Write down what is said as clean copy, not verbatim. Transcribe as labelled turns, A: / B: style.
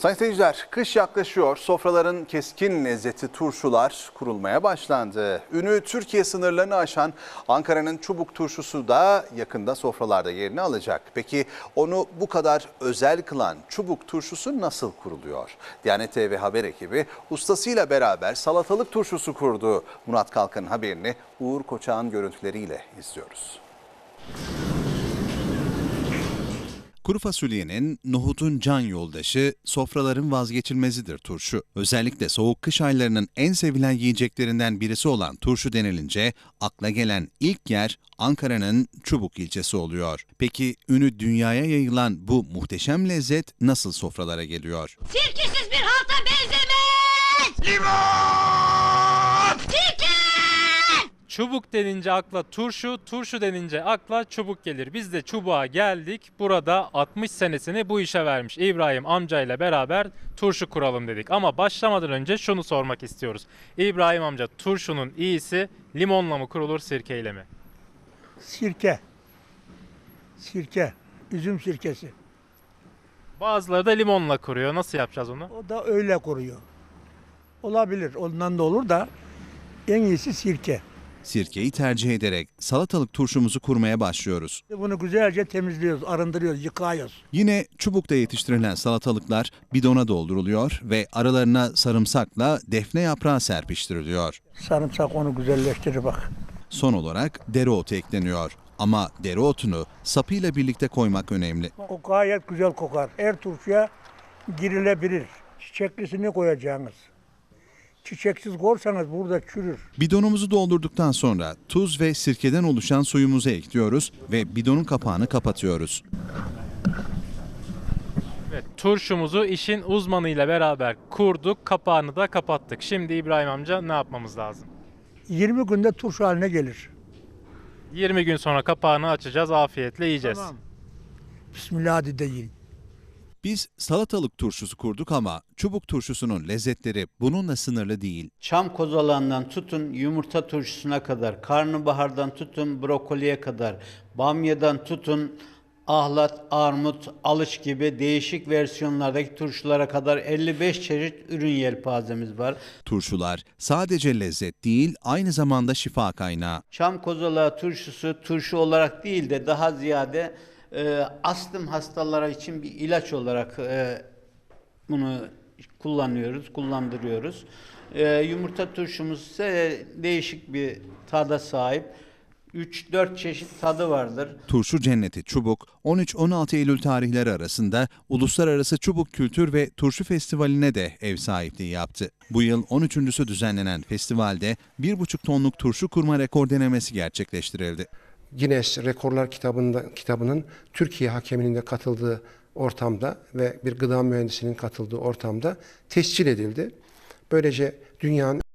A: Sayın seyirciler, kış yaklaşıyor. Sofraların keskin lezzeti turşular kurulmaya başlandı. Ünü Türkiye sınırlarını aşan Ankara'nın Çubuk turşusu da yakında sofralarda yerini alacak. Peki onu bu kadar özel kılan Çubuk turşusu nasıl kuruluyor? Diyanet TV haber ekibi ustasıyla beraber salatalık turşusu kurdu. Murat Kalkan'ın haberini Uğur Koçak'ın görüntüleriyle izliyoruz. Kuru fasulyenin, nohutun can yoldaşı, sofraların vazgeçilmezidir turşu. Özellikle soğuk kış aylarının en sevilen yiyeceklerinden birisi olan turşu denilince akla gelen ilk yer Ankara'nın Çubuk ilçesi oluyor. Peki ünü dünyaya yayılan bu muhteşem lezzet nasıl sofralara geliyor?
B: Sirkesiz bir halta benzemez! Limon! Sirke!
C: Çubuk denince akla turşu, turşu denince akla çubuk gelir. Biz de çubuğa geldik. Burada 60 senesini bu işe vermiş İbrahim amcayla beraber turşu kuralım dedik. Ama başlamadan önce şunu sormak istiyoruz. İbrahim amca, turşunun iyisi limonla mı kurulur, sirkeyle mi?
D: Sirke. Sirke. Üzüm sirkesi.
C: Bazıları da limonla kuruyor. Nasıl yapacağız onu?
D: O da öyle kuruyor. Olabilir. Ondan da olur da en iyisi sirke.
A: Sirkeyi tercih ederek salatalık turşumuzu kurmaya başlıyoruz.
D: Bunu güzelce temizliyoruz, arındırıyoruz, yıkıyoruz.
A: Yine çubukta yetiştirilen salatalıklar bidona dolduruluyor ve aralarına sarımsakla defne yaprağı serpiştiriliyor.
D: Sarımsak onu güzelleştirir bak.
A: Son olarak dereotu ekleniyor. Ama dereotunu sapıyla birlikte koymak önemli.
D: O gayet güzel kokar. Her turşuya girilebilir. Çiçeklisini koyacaksınız. Çiçeksiz koyarsanız burada çürür.
A: Bidonumuzu doldurduktan sonra tuz ve sirkeden oluşan suyumuzu ekliyoruz ve bidonun kapağını kapatıyoruz.
C: Evet, turşumuzu işin uzmanıyla beraber kurduk, kapağını da kapattık. Şimdi İbrahim amca ne yapmamız lazım?
D: 20 günde turşu haline gelir.
C: 20 gün sonra kapağını açacağız, afiyetle yiyeceğiz.
D: Tamam. Bismillah hadi de yiyin.
A: Biz salatalık turşusu kurduk ama çubuk turşusunun lezzetleri bununla sınırlı değil.
E: Çam kozalağından tutun yumurta turşusuna kadar, karnabahardan tutun brokoliye kadar, bamyadan tutun ahlat, armut, alıç gibi değişik versiyonlardaki turşulara kadar 55 çeşit ürün yelpazemiz var.
A: Turşular sadece lezzet değil, aynı zamanda şifa kaynağı.
E: Çam kozalağı turşusu turşu olarak değil de daha ziyade astım hastalara için bir ilaç olarak bunu kullandırıyoruz. Yumurta turşumuz ise değişik bir tada sahip. 3-4 çeşit tadı vardır.
A: Turşu Cenneti Çubuk, 13-16 Eylül tarihleri arasında Uluslararası Çubuk Kültür ve Turşu Festivali'ne de ev sahipliği yaptı. Bu yıl 13.'sü düzenlenen festivalde 1,5 tonluk turşu kurma rekor denemesi gerçekleştirildi.
F: Guinness Rekorlar kitabının Türkiye hakeminin de katıldığı ortamda ve bir gıda mühendisinin katıldığı ortamda tescil edildi. Böylece dünyanın